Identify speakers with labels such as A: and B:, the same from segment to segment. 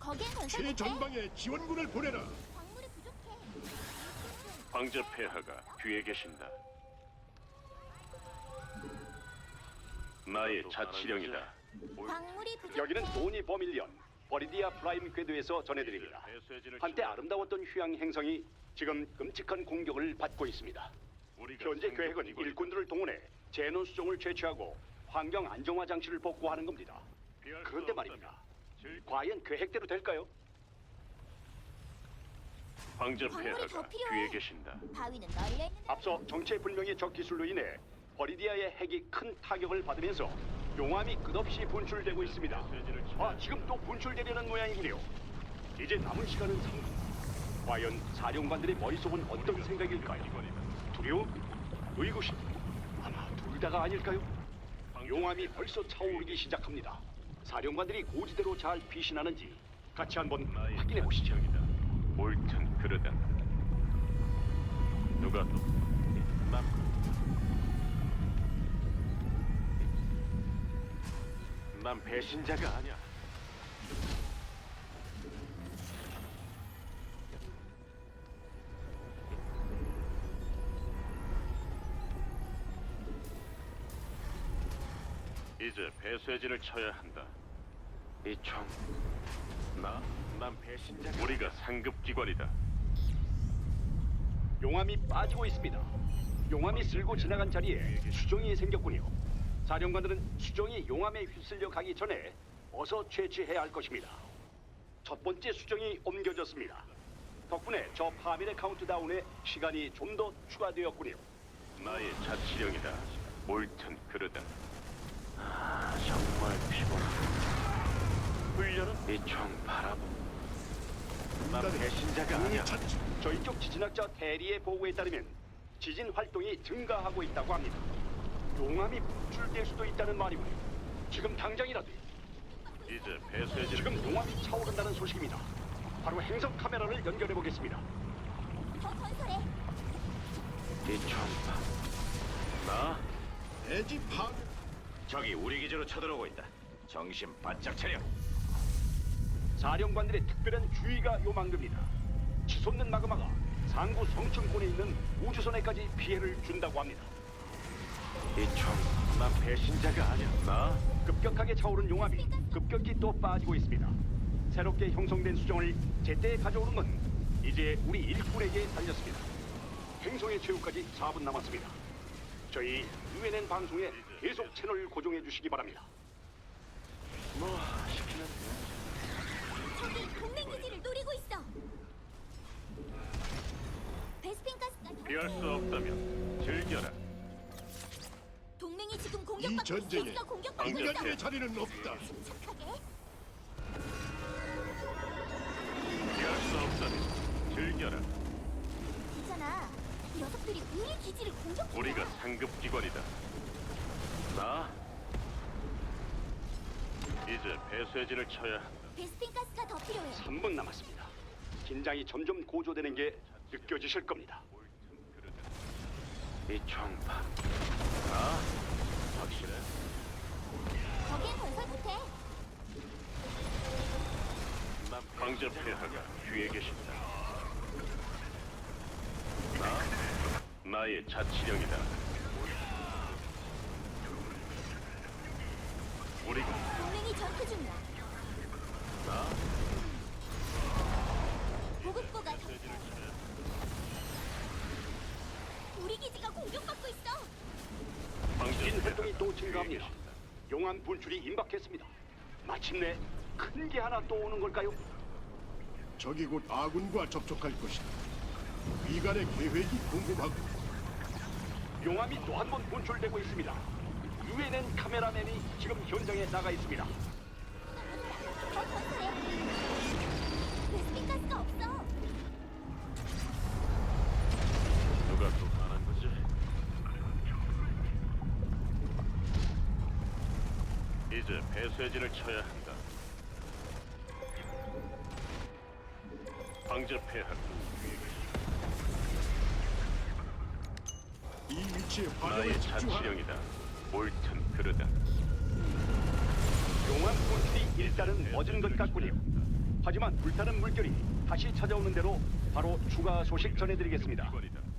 A: 거기엔 건설 못해.
B: 최전방에 지원군을 보내라.
A: 광물이 부족해.
C: 황제 폐하가 뒤에 계신다. 나의 자치령이다.
A: 광물이 부족해.
D: 여기는 도니 버밀리언 버리디아 프라임 궤도에서 전해드립니다. 한때 아름다웠던 휴양 행성이 지금 끔찍한 공격을 받고 있습니다. 현재 계획은 일꾼들을 동원해 제논 수종을 채취하고 환경 안정화 장치를 복구하는 겁니다. 그런데 말입니다. 과연 계획대로 될까요?
C: 황제
A: 광물이
C: 폐하가
A: 더 필요해.
C: 뒤에 계신다.
A: 바위는 널려 있는데.
D: 앞서 정체불명의 적 기술로 인해 버리디아의 핵이 큰 타격을 받으면서 용암이 끝없이 분출되고 있습니다. 아, 지금 또 분출되려는 모양이군요. 이제 남은 시간은 3분. 과연 사령관들의 머릿속은 어떤 생각일까요? 두려움? 의구심? 아마 둘 다가 아닐까요? 용암이 벌써 차오르기 시작합니다. 사령관들이 고지대로 잘 피신하는지 같이 한번 확인해 보시죠.
C: 옳든 그르든 누가 또 난 배신자가 아니야. 이제 배쇄진을 쳐야 한다. 이 총. 난 배신자. 우리가 상급 기관이다.
D: 용암이 빠지고 있습니다. 용암이 쓸고 지나간 자리에 수정이 생겼군요. 사령관들은 수정이 용암에 휩쓸려 가기 전에 어서 채취해야 할 것입니다. 첫 번째 수정이 옮겨졌습니다. 덕분에 저 파멸의 카운트다운에 시간이 좀 더 추가되었군요.
C: 나의 자치령이다. 옳든 그르든. 정말 피곤하다. 훈련은 이 총 바라보. 난 배신자가 아니야.
D: 저희 쪽 지진학자 대리의 보고에 따르면 지진 활동이 증가하고 있다고 합니다. 용암이 분출될 수도 있다는 말이군요. 지금 당장이라도
C: 이제 배쇄진을
D: 지금 용암이 차오른다는 소식입니다. 바로 행성 카메라를 연결해 보겠습니다.
A: 더 건설해.
C: 이총 나?
B: 대지 파괴.
C: 적이 우리 기지로 쳐들어오고 있다. 정신 바짝 차려.
D: 사령관들의 특별한 주의가 요망됩니다. 치솟는 마그마가 상구 성층권에 있는 우주선에까지 피해를 준다고 합니다.
C: 난 배신자가 아니야. 나?
D: 급격하게 차오른 용암이 급격히 또 빠지고 있습니다. 새롭게 형성된 수정을 제때 가져오는 건 이제 우리 일꾼에게 달렸습니다. 행성의 최후까지 4분 남았습니다. 저희 UNN 방송에 계속 채널 고정해 주시기 바랍니다.
C: 뭐 시키는
A: 저기 동맹 기지를 노리고 있어. 베스핀 가스가 더
C: 피할 수 없다면 즐겨라.
A: 동맹이 지금
B: 이
A: 공격받고
B: 전쟁에
A: 기지가 공격받고 있어.
B: 인간의 자리는 없다.
A: 침착하게.
C: 피할 수 없다면 즐겨라.
A: 있잖아. 녀석들이 우리 기지를 공격해.
C: 우리가 상급 기관이다. 나? 이제 배쇄진을 쳐야 한다.
A: 베스핀 가스가 더 필요해.
D: 3분 남았습니다. 긴장이 점점 고조되는 게 느껴지실 겁니다.
C: 이 총파. 나? 확실해?
A: 거기엔 건설 못해.
C: 난 황제 폐하가 뒤에 계신다. 나의 자치령이다. 우리가
A: 동맹이 전투 중이야. 보급고가 더 필요해. 우리 기지가 공격받고 있어.
C: 황제
D: 지진
C: 폐하가
D: 활동이 또
C: 뒤에
D: 증가합니다.
C: 계신다.
D: 용암 분출이 임박했습니다. 마침내 큰 게 하나 또 오는 걸까요?
B: 적이 곧 아군과 접촉할 것이다. 위관의 계획이 궁금하고
D: 용암이 또 한 번 분출되고 있습니다. UNN 카메라맨이 지금 현장에 나가 있습니다.
A: 더 건설해. 베스핀 가스가 없어.
C: 누가 또 말한 거지? 이제 배쇄진을 쳐야 한다. 황제 폐하가
B: 이 위치에
C: 나의
B: 화력을 집중하라.
C: 자치령이다. 옳든 그르든.
D: 용암 분출이 일단은 멎은 것 같군요. 하지만 불타는 물결이 다시 찾아오는 대로 바로 추가 소식 전해드리겠습니다.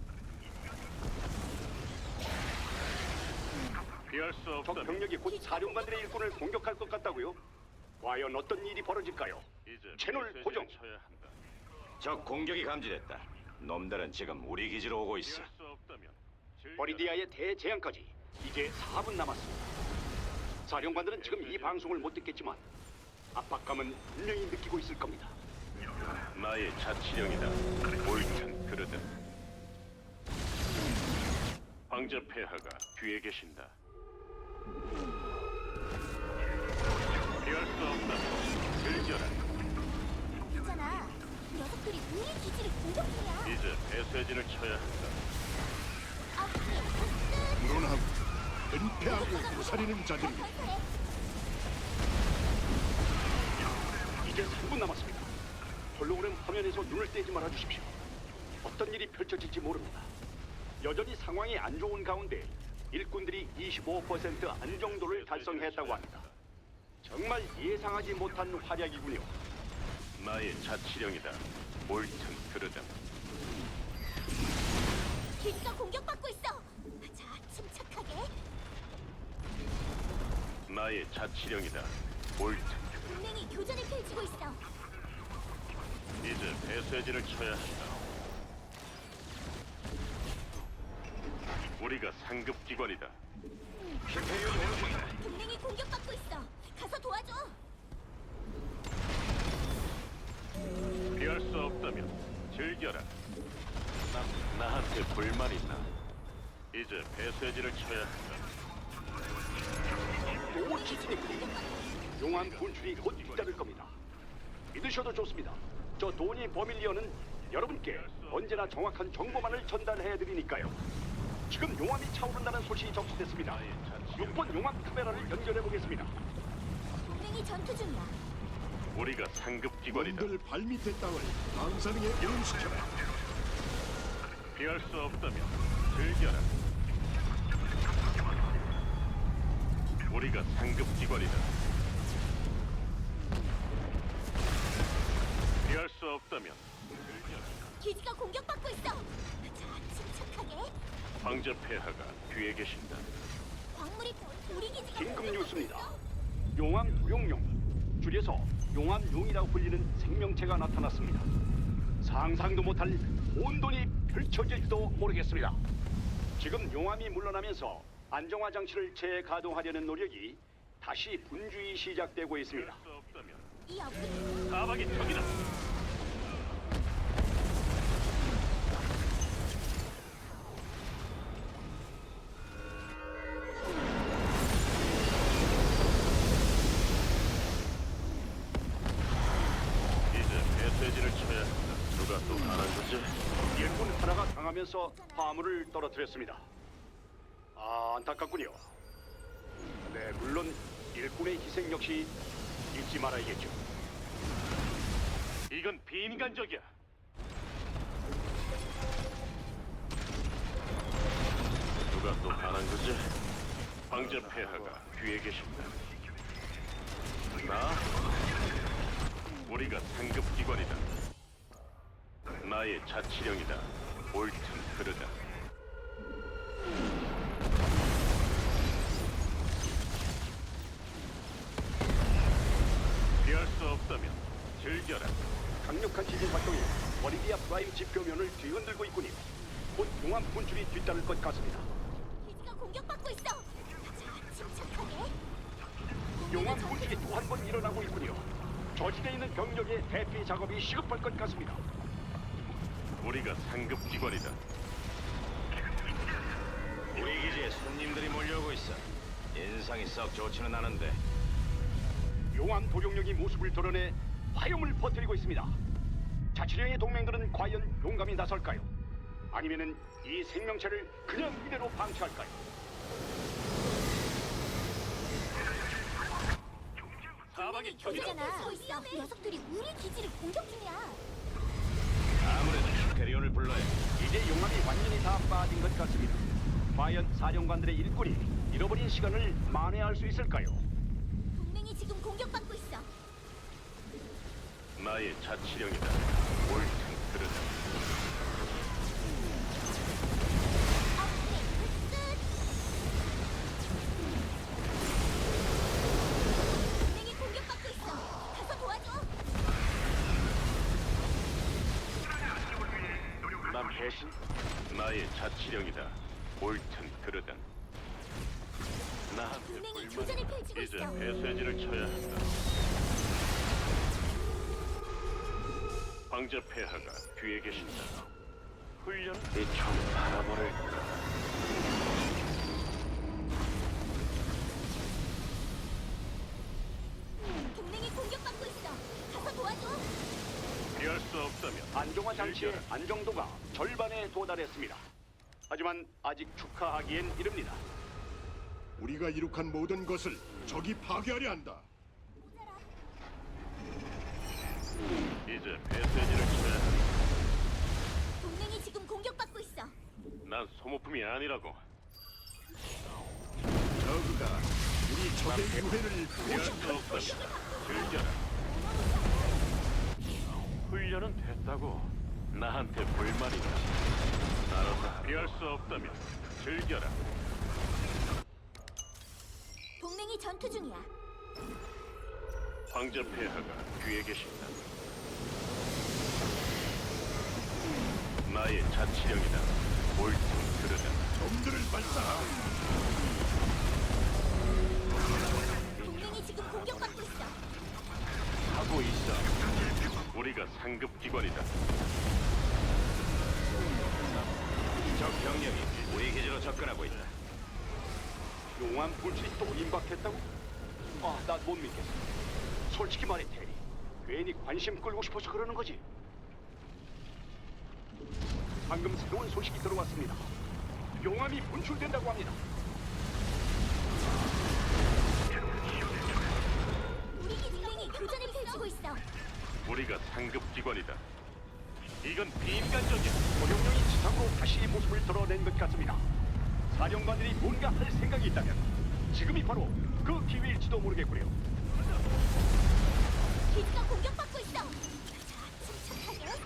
E: 피할 수
D: 적
E: 없다면
D: 병력이 곧 사령관들의 일꾼을 공격할 것 같다고요? 과연 어떤 일이 벌어질까요?
E: 이제
D: 채널
E: 메시지를
D: 고정.
E: 쳐야 한다.
C: 적 공격이 감지됐다. 놈들은 지금 우리 기지로 오고 있어.
E: 피할 수 없다면 즐겨라.
D: 버리디아의 대재앙까지 이제 4분 남았습니다. 사령관들은 지금 이 방송을 못 듣겠지만 압박감은 분명히 느끼고 있을 겁니다.
E: 나의 자치령이다. 옳든 그르든. 황제 폐하가 뒤에 계신다. 피할 수 없다면 즐겨라.
A: 있잖아. 녀석들이 우리 기지를 공격 중이야.
E: 이제 배쇄진을 쳐야 한다.
A: 앞에
B: 불온하고 은폐하고 부사리는 자들
A: 건설해.
D: 이제 3분 남았습니다. 홀로그램 화면에서 눈을 떼지 말아 주십시오. 어떤 일이 펼쳐질지 모릅니다. 여전히 상황이 안 좋은 가운데 일꾼들이 25% 안정도를 달성했다고 합니다. 정말 예상하지 못한 활약이군요.
E: 나의 자치령이다. 옳든 그르든.
A: 기지가 공격받고 있어. 자, 침착하게.
E: 나의 자치령이다. 옳든 그르든.
A: 동맹이 교전을 펼치고 있어.
E: 이제 배쇄진을 쳐야 한다. 우리가 상급 기관이다.
A: 동맹이 공격받고 있어. 가서 도와줘.
E: 피할 수 없다면 즐겨라. 나한테 불만 있나? 이제 배쇄진을 쳐야 한다.
D: 또 지진이 풀립니다. 용암 분출이 곧 잇따를 겁니다. 믿으셔도 좋습니다. 저 도니 버밀리언은 여러분께 언제나 정확한 정보만을 전달해드리니까요. 지금 용암이 차오른다는 소식이 접수됐습니다. 6번 용암 카메라를 연결해 보겠습니다.
A: 동맹이 전투 중이야.
E: 우리가 상급 기관이다.
B: 놈들 발밑의 땅을 방사능에 오염시켜라.
E: 피할 수 없다면 즐겨라. 우리가 상급 기관이다. 피할 수 없다면
A: 기지가 공격받고 있어. 자, 침착하게.
E: 황제 폐하가 뒤에 계신다.
A: 광물이 우리 기지가
D: 긴급
A: 공격받고
D: 뉴스입니다.
A: 있어.
D: 용암 도용룡, 줄여서 용암용이라고 불리는 생명체가 나타났습니다. 상상도 못할 혼돈이 펼쳐질지도 모르겠습니다. 지금 용암이 물러나면서 안정화 장치를 재가동하려는 노력이 다시 분주히 시작되고 있습니다.
E: 피할 수 없다면
A: 이 업그레이드
E: 사박이 적이다. 이제 배쇄진을 쳐야 한다. 누가 또 가난 거지?
D: 일꾼 하나가 당하면서 화물을 떨어뜨렸습니다. 아, 안타깝군요. 네, 물론 일꾼의 희생 역시 잊지 말아야겠죠.
E: 이건 비인간적이야. 누가 또 가난 거지? 황제 폐하가 뒤에 계신다. 나? 우리가 상급 기관이다. 나의 자치령이다. 옳든 그르다. 피할 수 없다면 즐겨라.
D: 강력한 지진 활동이 버리디아 프라임 지표면을 뒤흔들고 있군요. 곧 용암 분출이 뒤따를 것 같습니다.
A: 기지가 공격받고 있어. 자, 침착하게.
D: 용암 분출이 또 한 번 일어나고 있군요. 저지대에 있는 병력의 대피 작업이 시급할 것 같습니다.
E: 우리가 상급 기관이다.
C: 우리 기지에 손님들이 몰려오고 있어. 인상이 썩 좋지는 않은데.
D: 용암 도룡령이 모습을 드러내 화염을 퍼뜨리고 있습니다. 자치령의 동맹들은 과연 용감히 나설까요? 아니면은 이 생명체를 그냥 이대로 방치할까요?
E: 사박이
A: 교전을 있어. 녀석들이 우리 기지를 공격 중이야.
C: 아무래도 슈페리온을 불러야.
D: 이제 용암이 완전히 다 빠진 것 같습니다. 과연 사령관들의 일꾼이 잃어버린 시간을 만회할 수 있을까요?
A: 동맹이 지금 공격받고 있어.
E: 나의 자치령이다. 옳든 그르든.
A: 업그레이드 끝. 동맹이 공격받고 있어. 가서 도와줘.
E: 난 배신? 나의 자치령이다. 옳든 그르든. 나한테
A: 동맹이
E: 불만이
A: 교전을 펼치고
E: 이제
A: 있어.
E: 배쇄진을 쳐야 한다. 황제 폐하가 뒤에 계신다. 훈련 이총 바라버릴까.
A: 동맹이 공격받고 있어. 가서 도와줘.
E: 피할 수 없다면
D: 안정화 장치의 안정도가 절반에 도달했습니다. 하지만 아직 축하하기엔 이릅니다.
B: 우리가 이룩한 모든 것을 적이 파괴하려 한다.
E: 이제 배쇄진을 쳐야 한다.
A: 동맹이 지금 공격받고 있어.
E: 난 소모품이 아니라고.
B: 저그가 우리 적의 유해를
E: 피할 수 없다면 즐겨라. 훈련은 됐다고. 나한테 불만이다. 나로서 피할 수 없다면 즐겨라.
A: 동맹이 전투 중이야.
E: 황제 폐하가 뒤에 계신다. 나의 자치령이다. 옳든 그르든.
B: 놈들을 발사하라.
A: 동맹이 지금 공격받고 있어.
E: 하고 있어. 우리가 상급 기관이다.
C: 적 병력이 우리 기지로 접근하고 있다.
D: 용암 불길이 또 임박했다고? 아, 나 못 믿겠어. 솔직히 말해, 테리. 괜히 관심 끌고 싶어서 그러는 거지. 방금 새로운 소식이 들어왔습니다. 용암이 분출된다고 합니다.
A: 우리 동맹이 교전을 펼치고 있어.
E: 우리가 상급 기관이다. 이건 비인간적이야.
D: 도룡령이 지상으로 다시 모습을 드러낸 것 같습니다. 사령관들이 뭔가 할 생각이 있다면 지금이 바로 그 기회일지도 모르겠고요.
A: 기지가 공격받고 있어. 자, 침착하게.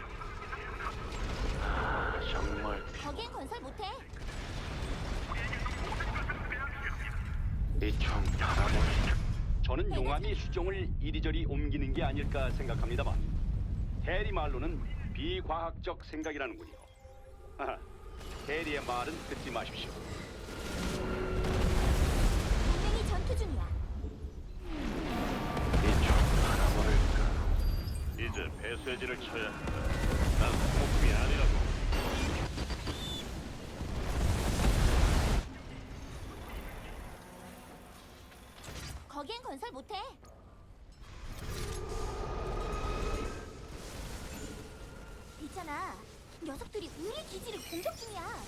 E: 정말
A: 거기엔 건설 못해.
E: 이총 바라보니.
D: 저는 용암이 수종을 이리저리 옮기는 게 아닐까 생각합니다만 대리 말로는 비과학적 생각이라는군요. 아하, 대리의 말은 듣지 마십시오.
A: 동맹이 전투 중이야.
E: 이총 바라버릴까. 이제 배쇄진을 쳐야 한다. 난 소모품이 아니라고.
A: 거기엔 건설 못해. 있잖아. 녀석들이 우리 기지를 공격 중이야.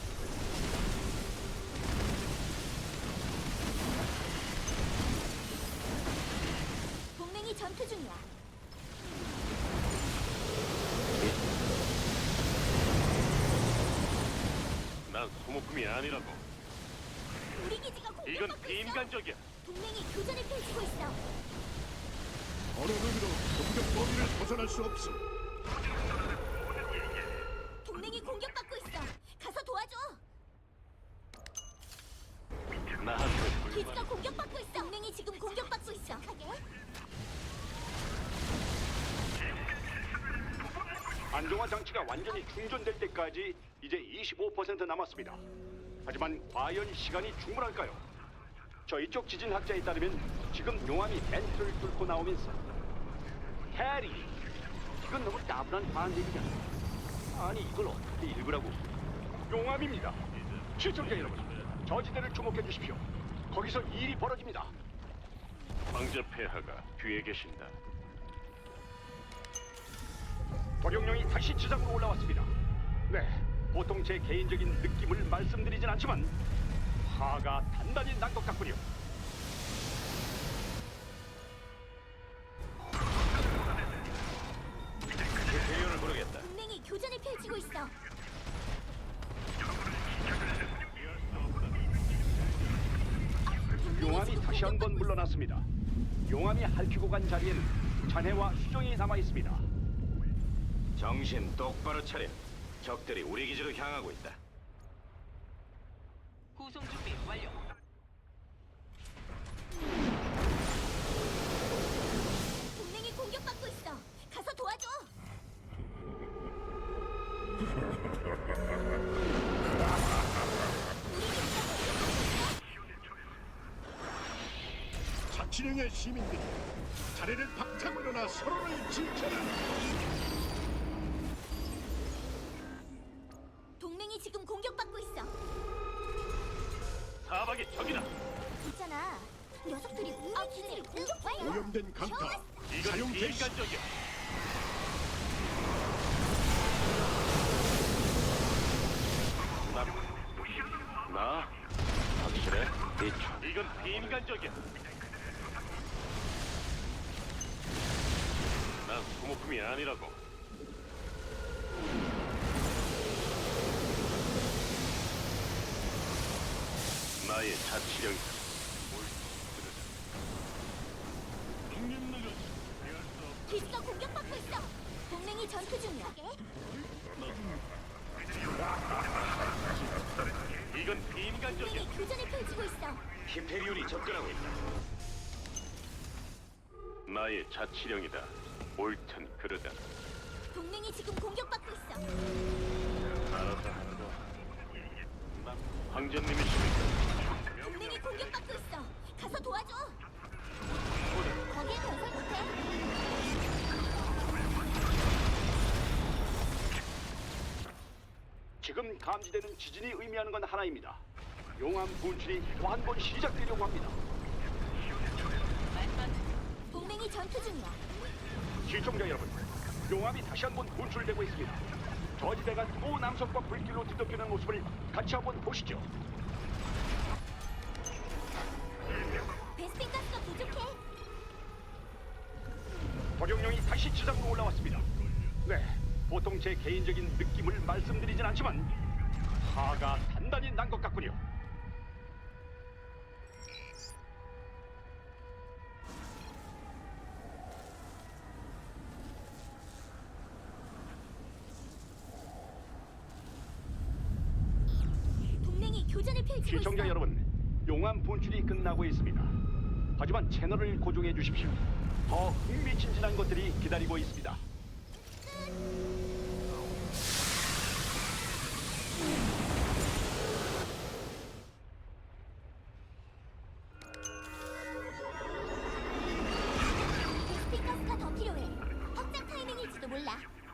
A: 동맹이 전투 중이야.
E: 난 소모품이 아니라고.
A: 우리 기지가 공격받고
E: 이건
A: 있어.
E: 비인간적이야.
A: 동맹이 교전을 펼치고 있어.
B: 어느 놈이도 공격 범위를 벗어날 수 없어.
A: 동맹이 공격받고 있어. 가서 도와줘.
E: 나한테 불만.
A: 기지가 공격받고 있어. 동맹이 지금 공격받고 있어.
D: 안정화 장치가 완전히 충전될 때까지 이제 25% 남았습니다. 하지만 과연 시간이 충분할까요? 저희 쪽 지진학자에 따르면 지금 용암이 벤트를 뚫고 나오면서 해리, 이건 너무 따분한 반대기잖아. 아니 이걸 어떻게 읽으라고? 용암입니다. 시청자 여러분, 저 지대를 주목해 주십시오. 거기서 일이 벌어집니다.
E: 황제 폐하가 뒤에 계신다.
D: 도룡령이 다시 지상으로 올라왔습니다. 네, 보통 제 개인적인 느낌을 말씀드리진 않지만 화가 단단히 난 것 같군요.
C: 대열을 부르겠다.
A: 동맹이 교전을 펼치고 있어.
D: 용암이 다시 한번 물러났습니다. 용암이 핥히고 간 자리에는 잔해와 수정이 남아 있습니다.
C: 정신 똑바로 차려. 적들이 우리 기지로 향하고 있다.
F: 구송 준비 완료.
A: 동맹이 공격받고 있어. 가서 도와줘. 우리 기지가 공격받고 있어.
B: 자치령의 시민들이 자리를 박차고 일어나 서로를 지켜라.
A: 동맹이 지금 공격받고 있어.
E: 사박의 적이다.
A: 있잖아. 녀석들이 우리 기지를 공격해.
B: 오염된 강타
E: 이건
B: 사용 개시.
E: 비인간적이야. 나 확실해? 이건 비인간적이야. 난 소모품이 아니라고. 나의 자치령이다.
A: 기지가 공격받고 있어. 동맹이 전투 중이야.
E: 이건 비인간적이야.
A: 동맹이 교전을 펼치고 있어.
C: 히페리온이 접근하고 있다.
E: 나의 자치령이다. 옳든 그르든.
A: 동맹이 지금 공격받고 있어.
E: 황제님이십니까?
A: 동맹이 공격받고 있어. 가서 도와줘. 거기에 건설 못해.
D: 지금 감지되는 지진이 의미하는 건 하나입니다. 용암 분출이 또 한 번 시작되려고 합니다.
A: 동맹이 전투 중이야.
D: 시청자 여러분, 용암이 다시 한 번 분출되고 있습니다. 저지대가 또 남성과 불길로 뒤덮이는 모습을 같이 한번 보시죠.
A: 베스핀 가스가 부족해.
D: 도룡령이 다시 지상으로 올라왔습니다. 네, 보통 제 개인적인 느낌을 말씀드리진 않지만 화가 단단히 난 것 같군요.
A: 동맹이 교전을 펼치고
D: 시청자
A: 있어.
D: 여러분, 용암 분출이 끝나고 있습니다. 하지만 채널을 고정해 주십시오. 더 흥미진진한 것들이 기다리고 있습니다.
A: 베스핀 가스가 더 필요해. 확장 타이밍일지도 몰라.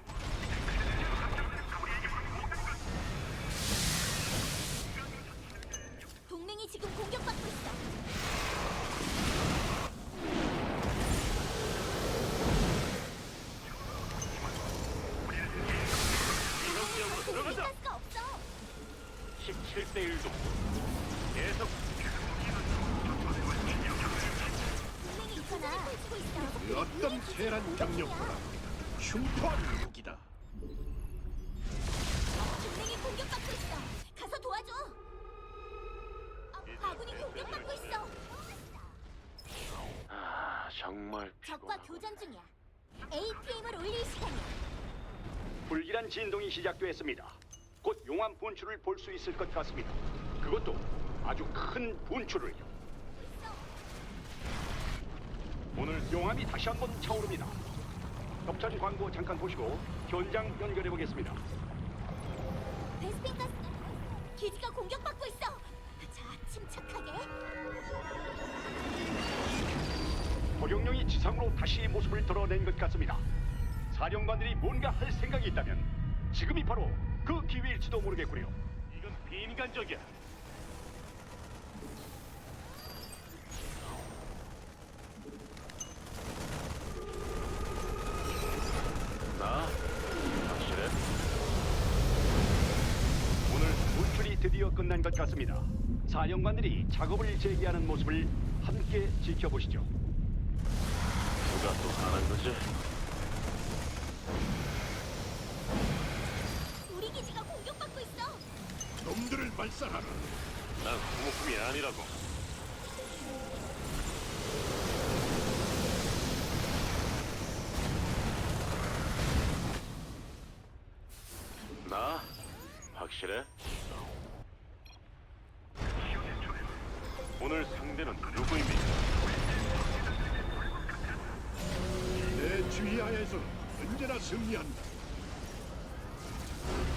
A: 동맹이 지금 공격받고 있어. 베스핀 가스가 없어.
E: 17대 1도. 계속
A: 동맹이 있잖아. 펼치고 있어.
B: 그 어떤 세란 병력보다 흉포한 무기다.
A: 동맹이 공격받고 있어. 가서 도와줘. 아군이 공격받고 있어.
E: 정말
A: 적과 교전 중이야. APM을 올릴 시간이야.
D: 불길한 진동이 시작됐습니다. 곧 용암 분출을 볼 수 있을 것 같습니다. 그것도 아주 큰 분출을요. 오늘 용암이 다시 한번 차오릅니다. 협찬 광고 잠깐 보시고 현장 연결해 보겠습니다.
A: 베스핀 가스 기지가 공격받고 있어. 자, 침착하게.
D: 도룡령이 지상으로 다시 모습을 드러낸 것 같습니다. 사령관들이 뭔가 할 생각이 있다면 지금이 바로 그 기회일지도 모르겠군요.
E: 이건 비인간적이야. 나 확실해?
D: 오늘 분출이 드디어 끝난 것 같습니다. 사령관들이 작업을 재개하는 모습을 함께 지켜보시죠.
E: 누가 또 하는 거지?
A: 우리 기지가 공격받고 있어.
B: 놈들을 말살하라.
E: 난 소모품이 아니라고. 나? 확실해? 오늘 상대는 누구입니까?
B: 내 주의하에서는 언제나 승리한다.